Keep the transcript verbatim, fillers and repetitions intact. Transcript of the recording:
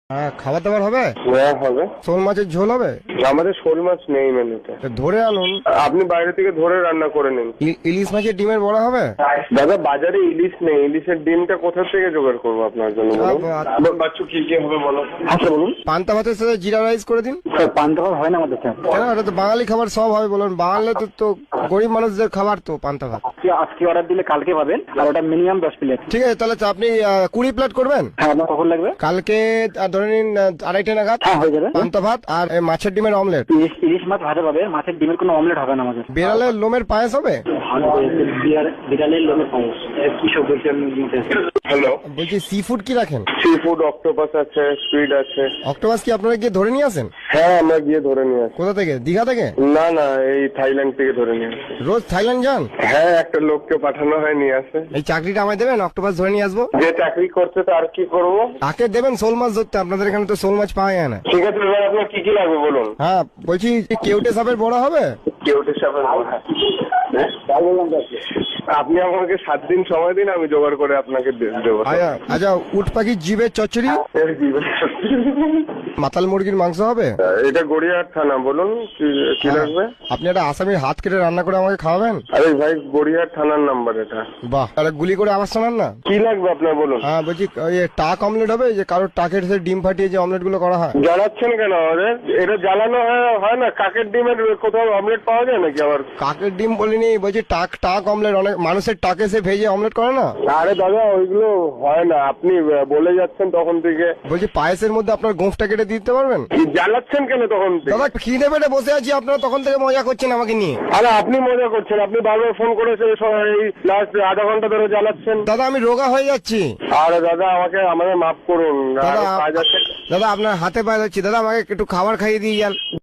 হ্যাঁ, খাবার দাবার হবে? হ্যাঁ হবে। শোল মাছের ঝোল হবে? আমাদের শোল মাছ নেই মেনুতে। তা ধরে আনুন। আপনি বাইরে থেকে ধরে রান্না করে নিন। ই- ইলিশ মাছের ডিমের বড়া হবে? দাদা বাজারে ইলিশ নেই, ইলিশের ডিমটা কোথা থেকে জোগাড় করবো আপনার জন্য বলুন? আ- বাচ্চু কি কি হবে বলো? আচ্ছা বলুন। পান্তা ভাতের সাথে জিরা রাইস করে দিন। স্যার পান্তা ভাত হয় না আমাদের স্যার। কেন, এটা তো বাঙালি খাবার, সব হবে বলুন। বাঙালি তো তো গরিব মানুষদের খাবার তো পান্তা ভাত। আজকে অর্ডার দিলে কালকে পাবেন, আর ওটা মিনিমাম দশ প্লেট। ঠিক আছে, তাহলে আপনি আহ, কুড়ি প্লেট করবেন। হ্যাঁ, আপনার কখন লাগবে? কালকে আহ, ধরে নিন আহ, আড়াইটে নাগাদ। হ্যাঁ, হয়ে যাবে। পান্তা ভাত আর এই মাছের ডিমের অমলেট। ইলিশ ইলিশ মাছ ভাজা পাবে, মাছের ডিমের কোনো অমলেট হবে না আমাদের। বিড়ালের লোমের পায়েস হবে? বিড়ালের লোমের পায়েস কি সব বলছেন? হ্যালো, বলছি সি ফুড কি রাখেন? সি ফুড অক্টোপাস আছে, স্কুইড আছে। অক্টোপাস কি আপনারা গিয়ে ধরে নিয়ে আসেন? হ্যাঁ আমরা গিয়ে ধরে নিয়ে আসি। কোথা থেকে? দীঘা থেকে? না না, এই থাইল্যান্ড থেকে ধরে নিয়ে আসি। রোজ থাইল্যান্ড যান? হ্যাঁ, একটা লোককে পাঠানো হয় নিয়ে আসে। এই চাকরিটা আমায় দেবেন, অক্টোপাস ধরে নিয়ে আসবো। যে চাকরি করছে তার কি করবো? তাকে দেবেন শোল মাছ ধরতে, আপনাদের এখানে তো শোল মাছ পাওয়া যায় না। ঠিক আছে, এবার আপনার কি কি লাগবে বলুন? হ্যাঁ, বলছি কেউটে সাপের বড়া হবে? কেউটে সাপের বড়া। আপনি আমাকে সাত দিন সময় দিন, আমি জোগাড় করে আপনাকে দে- দেবো। আচ্ছা আচ্ছা, উট পাখির জিভের চচ্চড়ি? এর কি বলে? মাতাল মুরগির মাংস হবে? এটা গড়িয়াহাট থানা, বলুন কি- কি লাগবে? আপনি একটা আসামির হাত কেটে রান্না করে আমাকে খাওয়াবেন? আরে ভাই, গড়িয়াহাট থানার নাম্বার এটা। বাহ, তাহলে গুলি করে আবার শোনান না। কি লাগবে আপনার বলুন? হ্যাঁ, বলছি ওই টাক অমলেট হবে, যে কারোর টাকের সাথে ডিম ফাটিয়ে যে অমলেট গুলো করা হয়। জ্বালাচ্ছেন কেন আমাদের? এটা জ্বালানো হয়- হয় না? কাকের ডিমের কোথাও অমলেট পাওয়া যায় নাকি আবার? কাকের ডিম বলিনি, বলছি টাক টাক অমলেট, অনেক মানুষের টাকে সে ভেজে অমলেট করে না। আরে দাদা, ওইগুলো হয় না, আপনি বলে যাচ্ছেন তখন থেকে। বলছি পায়েসের মধ্যে আপনার গোঁফটা কেটে দিতে পারবেন? কি জ্বালাচ্ছেন কেন তখন থেকে? দাদা খিদে পেটে বসে আছি, আপনারা তখন থেকে মজা করছেন আমাকে নিয়ে। আরে আপনি মজা করছেন, আপনি বারবার ফোন করেছেন, এই লাস্ট আধা ঘন্টা ধরে জ্বালাচ্ছেন। দাদা আমি রোগা হয়ে যাচ্ছি। আরে দাদা, আমাকে আমাদের মাফ করুন, দাদা আরো কাজ আছে। দাদা আপনার হাতে পায়ে যাচ্ছি, দাদা আমাকে একটু খাবার খাইয়ে দিয়ে যান।